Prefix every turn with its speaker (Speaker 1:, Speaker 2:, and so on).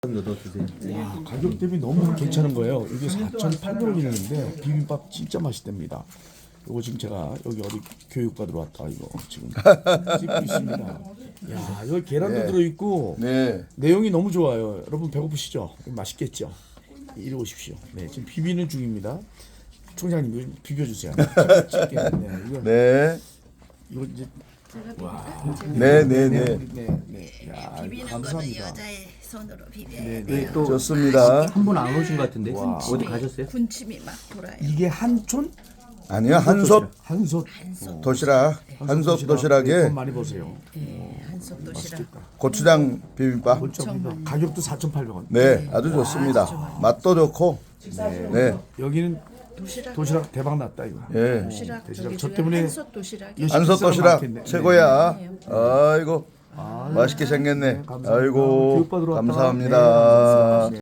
Speaker 1: 넣어 드세요.
Speaker 2: 와, 가격 대비 너무 괜찮은 거예요. 이게 4,800원이는데 비빔밥 진짜 맛있답니다. 이거 지금 제가 여기 어디 교육 받으러 왔다 이거 지금 찍고 있습니다. 야, 여기 계란도
Speaker 3: 네.
Speaker 2: 들어있고
Speaker 3: 네.
Speaker 2: 내용이 너무 좋아요. 여러분 배고프시죠? 맛있겠죠? 이리 오십시오. 네, 지금 비비는 중입니다. 총장님 이거 비벼주세요. 네, 이거
Speaker 3: 네.
Speaker 2: 이거 이제
Speaker 3: 네, 네, 네.
Speaker 2: 네. 야,
Speaker 4: 비비는 거는
Speaker 2: 감사합니다.
Speaker 4: 여자의 손으로 비벼야
Speaker 2: 네,
Speaker 4: 돼요.
Speaker 2: 네.
Speaker 1: 또
Speaker 3: 좋습니다.
Speaker 1: 한 분 안 오신 것 같은데
Speaker 2: 와.
Speaker 1: 어디 가셨어요?
Speaker 4: 군침이 막 돌아요.
Speaker 2: 이게 한촌
Speaker 3: 아니요, 한솥
Speaker 2: 한솥
Speaker 4: 한솥,
Speaker 3: 도시락. 한솥 도시락에
Speaker 2: 돈 많이 버세요.
Speaker 4: 한솥 도시락.
Speaker 2: 맛있겠다.
Speaker 3: 고추장 비빔밥.
Speaker 2: 가격도 4,800원.
Speaker 3: 네, 아주 좋습니다. 맛도 좋고. 네.
Speaker 2: 여기는
Speaker 4: 도시락.
Speaker 2: 도시락 대박 났다 이거.
Speaker 3: 예.
Speaker 4: 도시락
Speaker 2: 도시락.
Speaker 4: 저기
Speaker 2: 저
Speaker 4: 중에
Speaker 2: 때문에
Speaker 4: 한솥 도시락이
Speaker 2: 요시-
Speaker 3: 한솥 도시락
Speaker 2: 많겠네.
Speaker 3: 최고야. 아이고. 맛있게 생겼네.
Speaker 2: 감사합니다.
Speaker 3: 아이고.
Speaker 2: 교육받으러 왔다가
Speaker 3: 감사합니다.